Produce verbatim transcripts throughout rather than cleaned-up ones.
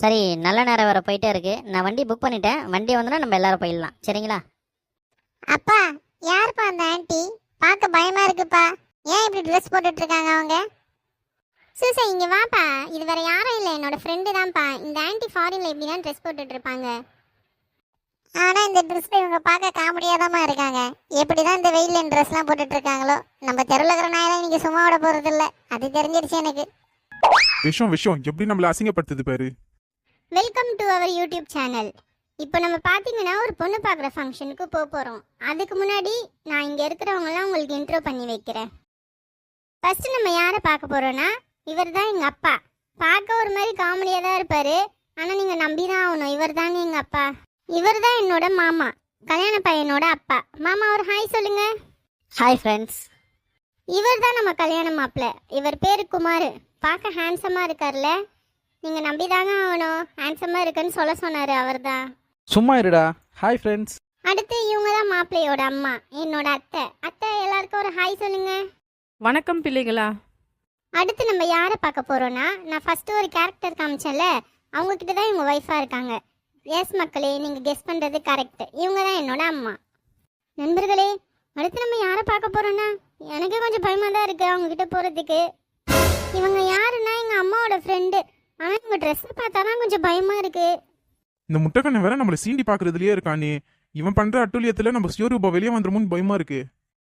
சரி, நல்ல நேரம் வேற போயிட்டே இருக்கு. நான் வண்டி புக் பண்ணிட்டேன். வண்டி வந்தோன்னா நம்ம எல்லாரும் போயிடலாம். சரிங்களா? அப்பா, யாருப்பா அந்த ஆன்ட்டி? பார்க்க பயமா இருக்குப்பா. ஏன் இப்படி ட்ரெஸ் போட்டுட்டு இருக்காங்க அவங்க? சூசை, இங்க வாப்பா. இது வேற யாரும் இல்லை, என்னோட ஃப்ரெண்டு தான்ப்பா. இந்த ஆன்ட்டி ஃபாரின்ல இப்படி தான் ட்ரெஸ் போட்டுட்டு இருப்பாங்க. ஆனா இந்த ட்ரெஸ்ல இவங்க பார்க்க காமெடியாதாம்மா இருக்காங்க. எப்படிதான் இந்த வெயில்ல ட்ரெஸ்லாம் போட்டுட்டு இருக்காங்களோ. நம்ம தெருவில் இருக்கிற நாயெல்லாம் நீங்க சும்மா விட போறது இல்ல, அது தெரிஞ்சிருச்சு எனக்கு. விஷயம் விஷயம் எப்படி நம்மள அசிங்கப்படுத்துது பாரு. Welcome to our YouTube channel. இப்போ நம்ம பார்த்தீங்கன்னா ஒரு பொண்ணு பார்க்குற ஃபங்க்ஷனுக்கு போக போகிறோம். அதுக்கு முன்னாடி நான் இங்கே இருக்கிறவங்களாம் உங்களுக்கு இன்ட்ரோ பண்ணி வைக்கிறேன். ஃபஸ்ட்டு நம்ம யாரை பார்க்க போகிறோன்னா, இவர் தான் எங்கள் அப்பா. பார்க்க ஒரு மாதிரி காமெடியாக தான் இருப்பார், ஆனால் நீங்கள் நம்பி தான் ஆகணும், இவர் தாங்க எங்கள் அப்பா. இவர் தான் என்னோட மாமா, கல்யாண பையனோட அப்பா. மாமா ஒரு ஹாய் சொல்லுங்க. Hi friends. இவர் தான் நம்ம கல்யாண மாப்பிள்ள. இவர் பேர் குமார். பார்க்க ஹேண்ட்ஸமாக இருக்கார்ல, நீங்கள் நம்பி தாங்க ஆகணும். ஹேண்ட்ஸமாக இருக்குன்னு சொல்ல சொன்னார் அவர் தான். சும்மா இருடா. Hi friends. அடுத்து இவங்க தான் மாப்பிள்ளையோட அம்மா, என்னோட அத்தை. அத்தை எல்லாருக்கும் ஒரு ஹாய் சொல்லுங்க. வணக்கம் பிள்ளைகளா. அடுத்து நம்ம யாரை பார்க்க போகிறோன்னா, நான் ஃபஸ்ட்டு ஒரு கேரக்டர் காமிச்சேன்ல, அவங்கக்கிட்ட தான் இவங்க ஒய்ஃபாக இருக்காங்க. எஸ் மக்களே, நீங்கள் கெஸ் பண்ணுறது கரெக்ட். இவங்க தான் என்னோட அம்மா. நண்பர்களே, அடுத்து நம்ம யாரை பார்க்க போகிறோன்னா, எனக்கே கொஞ்சம் பயமாக தான் இருக்குது அவங்கக்கிட்ட போகிறதுக்கு. இவங்க யாருன்னா எங்கள் அம்மாவோட ஃப்ரெண்டு. ஆனால் இவங்க ட்ரெஸ்ஸை பார்த்தா தான் கொஞ்சம் பயமாக இருக்குது. இந்த முட்டைக்கண்ணை வேற நம்மள சீண்டி பாக்குறதுலயே இருக்கானே. இவன் பண்ற அட்டூழியத்துல நம்ம சிவரூபா வெளியே வந்துருமோன்னு பயமா இருக்கு.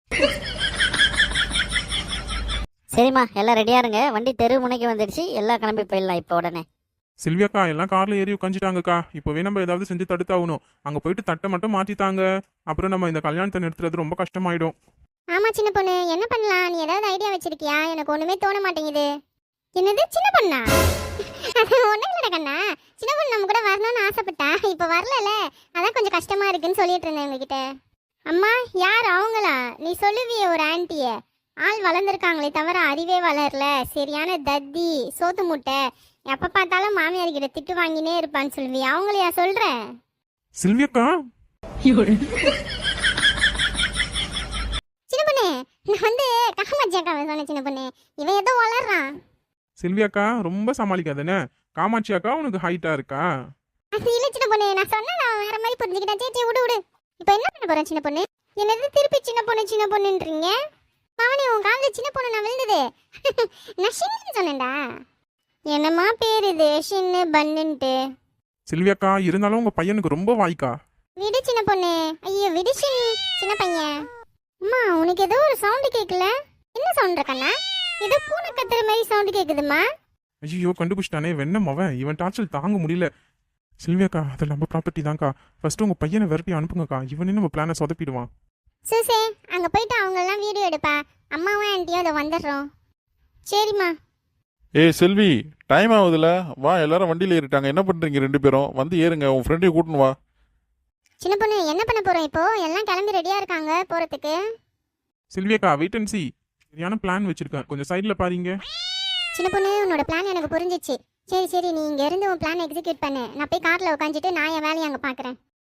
சரிம்மா, எல்லாம் ரெடியா இருங்க. வண்டி தெரு முனைக்கு வந்துடுச்சு. எல்லாம் கிளம்பி போயிடலாம் இப்போ உடனே. செல்வியாக்கா எல்லாம் கார்ல ஏறி உட்காந்துட்டாங்கக்கா. இப்போவே நம்ம ஏதாவது செஞ்சு தடுத்தாகணும். அங்க போயிட்டு தட்டை மட்டும் மாத்தித்தாங்க. அப்புறம் நம்ம இந்த கல்யாணத்தை நிறுத்துறது ரொம்ப கஷ்டமாயிடும். ஆமாம் சின்ன பொண்ணு, என்ன பண்ணலாம்? நீ ஏதாவது ஐடியா வச்சிருக்கியா? எனக்கு ஒன்றுமே தோண மாட்டேங்குது. என்னது சின்ன பொண்ணா? அது ஒன்றும் இல்லைடா கண்ணா. சின்ன பொண்ணு நம்ம கூட வரணும்னு ஆசைப்பட்டா, இப்போ வரல, அதான் கொஞ்சம் கஷ்டமா இருக்குன்னு சொல்லிட்டு இருந்தேன் உங்ககிட்ட. அம்மா, யார் அவங்களா? நீ சொல்லுவியே ஒரு ஆன்ட்டிய. ஆள் வளர்ந்துருக்காங்களே தவிர அறிவே வளரல. சரியான தத்தி, சோத்து முட்டை. எப்போ பார்த்தாலும் மாமியார் கிட்ட திட்டு வாங்கினே இருப்பான்னு சொல்லுவியே, அவங்களையா சொல்ற? செல்வியாக்கா, சின்ன பொண்ணு, நான் வந்து காமாட்சியாக்காவை சொன்னேன். சின்ன பொண்ணு, இவன் ஏதோ வளர்றான். செல்வியாக்கா ரொம்ப சமாளிக்காதானே. காமாட்சி அக்கா உனக்கு ஹைட்டா இருக்கா? அது இல்ல சின்ன பொண்ணு, நான் சொன்னா நான் வேற மாதிரி புரிஞ்சுக்கிட்டேன். சே சே விடு விடு. இப்போ என்ன பண்ண போறேன் சின்ன பொண்ணு? என்னது திருப்பி சின்ன பொண்ணு சின்ன பொண்ணுன்றீங்க? மாவனே, உன் காலில் சின்ன பொண்ணு நான் விழுந்தது. நான் ஷின்னு சொன்னேன்டா. என்னம்மா பேர் இது, ஷின்னு பன்னுன்ட்டு? செல்வியாக்கா இருந்தாலும் உங்க பையனுக்கு ரொம்ப வாய்க்கா. விடு சின்ன பொண்ணு. ஐயோ விடு ஷின், சின்ன பையன். அம்மா, உனக்கு ஏதோ ஒரு சவுண்டு கேட்கல? என்ன சவுண்ட் கண்ணா? ஏதோ பூனை கத்துற மாதிரி சவுண்டு கேட்குதுமா. ஐயோ கண்டுபிடிச்சிட்டானே வெண்ணம் அவன். இவன் டார்ச்சல் தாங்க முடியல. செல்வியாக்கா, அது நம்ம ப்ராப்பர்ட்டி தான்க்கா. ஃபர்ஸ்ட் உங்க பையனை விரட்டி அனுப்புங்கக்கா. இவனே நம்ம பிளானை சொதப்பிடுவான். சூசே, அங்க போயிட்டு அவங்க எல்லாம் வீடியோ எடுப்பா. அம்மாவும் ஆன்ட்டியும் அதை வந்துடுறோம். சரிம்மா. ஏய் செல்வி, டைம் ஆகுதுல, வா எல்லாரும் வண்டியில் ஏறிட்டாங்க. என்ன பண்ணுறீங்க ரெண்டு பேரும்? வந்து ஏறுங்க, உன் ஃப்ரெண்டையும் கூட்டின்னு வா. சின்ன பொண்ணு, என்ன பண்ண போறோம் இப்போ? எல்லாம் கிளம்பி ரெடியா இருக்காங்க போறதுக்கு. செல்வியாக்கா வெயிட் அண்ட் சி. சரியான பிளான் வச்சிருக்கேன், கொஞ்சம் சைடில் பாருங்க. சின்ன பொண்ணு, உன்னோட பிளான் எனக்கு புரிஞ்சிச்சு. சரி சரி, நீ இங்க இருந்து உன் பிளான் எக்ஸிக்யூட் பண்ணு. நான் போய் கார்ல உட்காந்துட்டு நான் என் வேலையை அங்கே பார்க்குறேன்.